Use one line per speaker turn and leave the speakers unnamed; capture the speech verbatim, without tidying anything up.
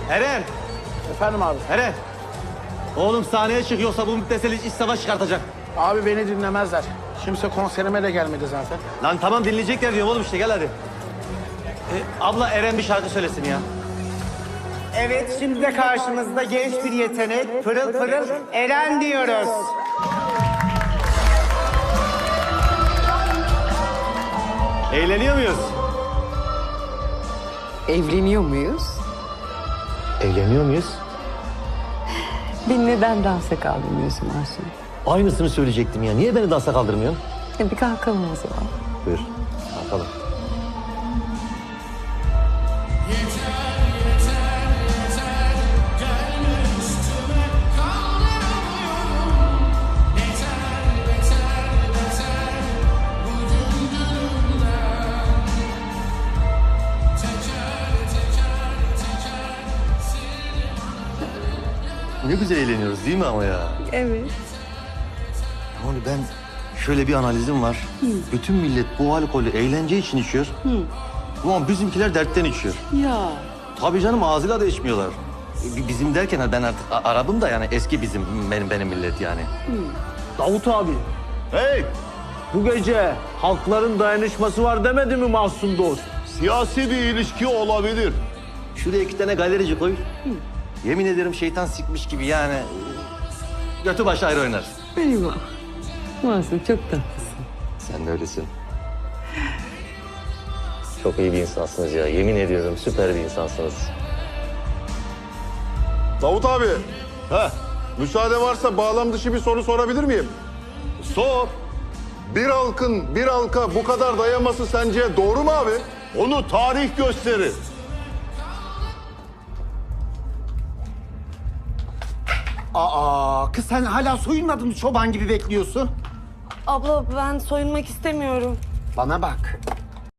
Eren!
Efendim abi.
Eren! Oğlum sahneye çık yoksa bu müptesel iç savaş çıkartacak.
Abi beni dinlemezler. Kimse konserime de gelmedi zaten.
Lan tamam dinleyecekler diyorum oğlum işte gel hadi. Ee, abla Eren bir şarkı söylesin ya.
Evet, şimdi de karşımızda genç bir yetenek, pırıl pırıl Eren diyoruz.
Eğleniyor muyuz?
Evleniyor muyuz?
Eğleniyor muyuz?
Beni neden dansa kaldırmıyorsun Mahsun?
Aynısını söyleyecektim ya. Niye beni dansa kaldırmıyorsun?
E bir kalkalım o zaman.
Buyur. Kalkalım. Ne güzel eğleniyoruz değil mi ama ya?
Evet.
Yani ben şöyle bir analizim var. Bütün millet bu alkolü eğlence için içiyor. Ulan bizimkiler dertten içiyor.
Ya.
Tabii canım ağzıyla da içmiyorlar. E, Bizim derken ben artık a- Arap'ım da yani eski bizim benim benim millet yani.
Davut abi,
Hey!
bu gece halkların dayanışması var demedi mi Mahsun dost?
Siyasi bir ilişki olabilir.
Şuraya iki tane galerici koy. Yemin ederim şeytan sikmiş gibi yani. e, Götü başı ayrı oynar.
Eyvah. Mahsun çok tatlısın.
Sen de öylesin. Çok iyi bir insansınız ya. Yemin ediyorum süper bir insansınız.
Davut abi, heh, müsaade varsa bağlam dışı bir soru sorabilir miyim? Sor. Bir halkın bir halka bu kadar dayanması sence doğru mu abi? Onu tarih gösterir.
Aa, kız sen hala soyunmadın mı çoban gibi bekliyorsun?
Abla ben soyunmak istemiyorum.
Bana bak,